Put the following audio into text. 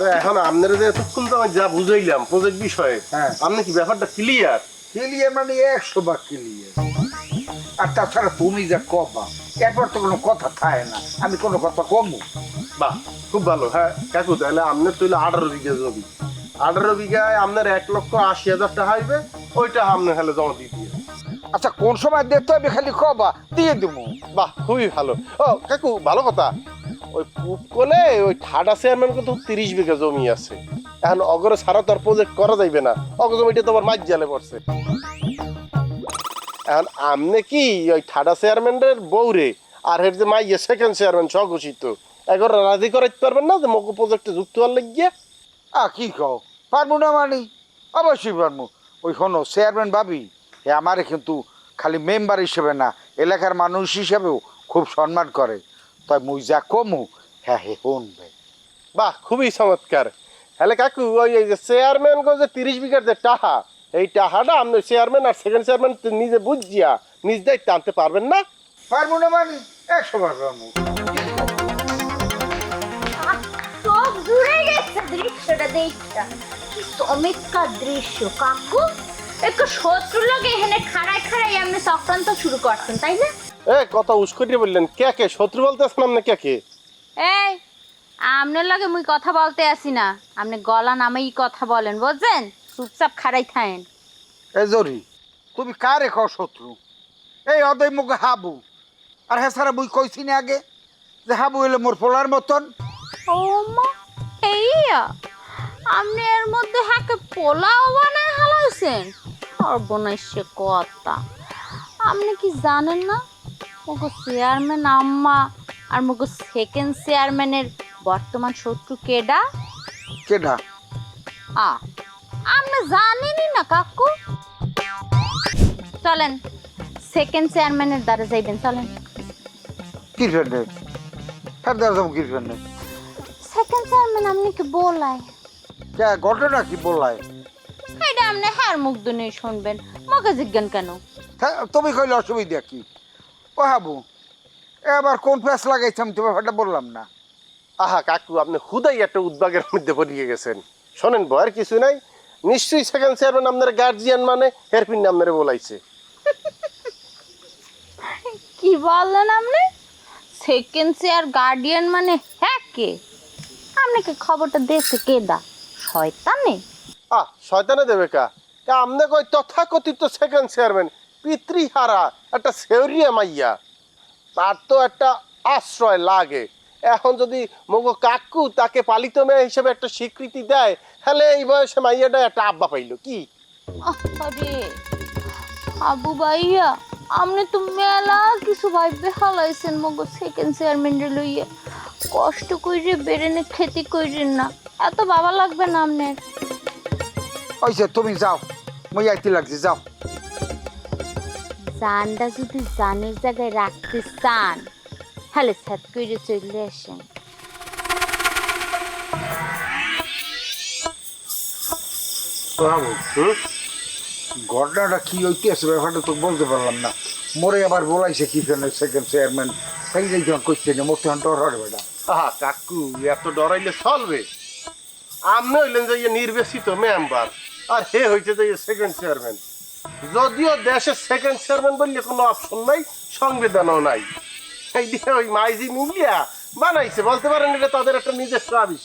তো এখন আপনারা যে এতক্ষণ তো আমি যা বুঝাইলাম প্রজেক্ট বিষয়ে, হ্যাঁ। আপনি কি ব্যাপারটা ক্লিয়ার? ক্লিয়ার মানে 100 ভাগ ক্লিয়ার। আর তাছাড়া তুমি যা কবা এরপর তো কোনো কথা থাকে না, আমি কোনো কথা কমু। বাহ, খুব ভালো। হ্যাঁ কাকু, তাহলে আপনার তৈলে 18 বিঘা জমি, 18 বিঘায় আপনার 1,80,000 টাকা হইবে, ওইটা আপনার হলে জমা দিয়ে দিয়ে। আচ্ছা কোন সময় দিতে হবে খালি কবা, দিয়ে দেবো। বাহ, খুবই ভালো। ও কাকু, ভালো কথা। ওই পুপ কোলে ওই ঠাডা চেয়ারম্যান কিন্তু 30 বিঘা জমি আছে। এখন অগরে সারা তো আর প্রজেক্ট করা যাইবে না, অগ জমিটা তো আবার মাঝ জালে পড়ছে। এখন আমনে কি ওই ঠাডা চেয়ারম্যানের বউরে আর এর যে মাইয়ে সেকেন্ড চেয়ারম্যান স্বঘোষিত এগরে রাজি করাইতে পারবেন না যে মকু প্রজেক্টে যুক্ত হওয়ার লাগিয়ে? কি কও, পারবো না মানে? অবশ্যই পারবো। ওই শোনো, চেয়ারম্যান ভাবি আমারে কিন্তু খালি মেম্বার হিসেবে না, এলাকার মানুষ হিসেবেও খুব সম্মান করে। তাই মুই যা কমু হ্যাঁ হে শুনবে। বাহ, খুবই চমৎকার। হ্যালে কাকু, ওই এই যে চেয়ারম্যান গো যে 30 বিঘার যে টাহা, এই টাহাটা আপনি চেয়ারম্যান আর সেকেন্ড চেয়ারম্যান নিজে বুঝিয়া নিজ দায়িত্বে আনতে পারবেন না? পারবো না মানে 100 বার পারবো। সব জুড়ে গেছে দৃশ্যটা দেখা, কি চমৎকার দৃশ্য কাকু। একটু শত্রু লোক এখানে খাড়ায় খাড়াই আপনি চক্রান্ত শুরু করছেন, তাই না? কথা উস্করিয়ে বললেন, কে কে শত্রু বলতেছেন আপনি? কে কে? এই, আপনার লগে মুই কথা বলতে আসি না, আপনি গলা নামেই কথা বলেন, বুঝছেন? চুপচাপ খাড়াই থাকেন। এ জরি, তুমি কারে কও শত্রু? এই অদয় মুখে হাবু। আর হ্যাঁ সারা মুই কইছি না আগে যে হাবু হইলে মোর পোলার মতন। ও মা, এইয়া আপনি এর মধ্যে হাকে পোলাও বানায় হালাইছেন? সর্বনাশে কথা। আপনি কি জানেন না মুগো চেয়ারম্যান আম্মা আর মুগো সেকেন্ড চেয়ারম্যানের বর্তমান শত্রু কেডা? কেডা? আপনি জানেনই না কাকু? চলেন সেকেন্ড চেয়ারম্যানের দ্বারা যাইবেন, চলেন। কি ফেন্ডে? হ্যাঁ দাঁড়া যাবো কি ফেন্ডে? সেকেন্ড চেয়ারম্যান আপনি কি বলাই? কে ঘটনা কি বললাই? এটা আপনি হার মুখ দুনে শুনবেন, মকে জিজ্ঞান কেন? তুমি কইলে অসুবিধা কি? ও হাবু, এবার কোন ফ্যাস লাগাইছে আমি তোমার ব্যাপারটা বললাম না। আহা কাকু, আপনি হুদাই একটা উদ্বাগের মধ্যে পড়িয়ে গেছেন। শোনেন, ভয়ের কিছু নাই। নিশ্চয়ই সেকেন্ড চেয়ারম্যান আপনার গার্জিয়ান, মানে হেরপিন আপনারে বলাইছে। কি বললেন আপনি? সেকেন্ড চেয়ার গার্ডিয়ান মানে হ্যাঁ কে? আপনাকে খবরটা দিয়েছে কেডা? শয়তানে? শয়তানে দেবে কা? আমনে কই তথাকথিত সেকেন্ড চেয়ারম্যান পিতৃহারা একটা সেউরিয়া মাইয়া, তার তো একটা আশ্রয় লাগে। এখন যদি মগো কাকু তাকে পালিত মেয়ে হিসেবে একটা স্বীকৃতি দেয়, তাহলে এই বয়সে মাইয়াটা একটা আব্বা পাইলো কি? আরে আবু ভাইয়া, আপনি তো মেলা কিছু ভাইবে হালাইছেন মগো সেকেন্ড চেয়ারম্যানের লইয়া। কষ্ট কইরে বেরেনে খেতে কইরেন না, এত বাবা লাগবে না আপনার। ওইসে তুমি যাও, মই আইতে লাগছি, যাও। জানটা যদি জানের জায়গায় রাখতে চান, তাহলে ছাদ কইরে চলে আসেন। ঘটনাটা কি হইতেছে ব্যাপারটা তো বলতে পারলাম না। মোরে আবার বলাইছে কি ফেনে সেকেন্ড চেয়ারম্যান, সেই যে যখন করছে না মোর তখন ডর হয় বেটা। কাকু, এত ডরাইলে চলবে? আপনি হইলেন যে নির্বাচিত মেম্বার, আর হে হয়েছে যে সেকেন্ড চেয়ারম্যান। যদিও দেশের সেকেন্ড চেয়ারম্যান বললে কোনো অপশন নাই, সংবিধানও নাই। এই দিয়ে ওই মাইজি মিলিয়া বানাইছে, বলতে পারেন এটা তাদের একটা নিজস্ব আবিষ্কার।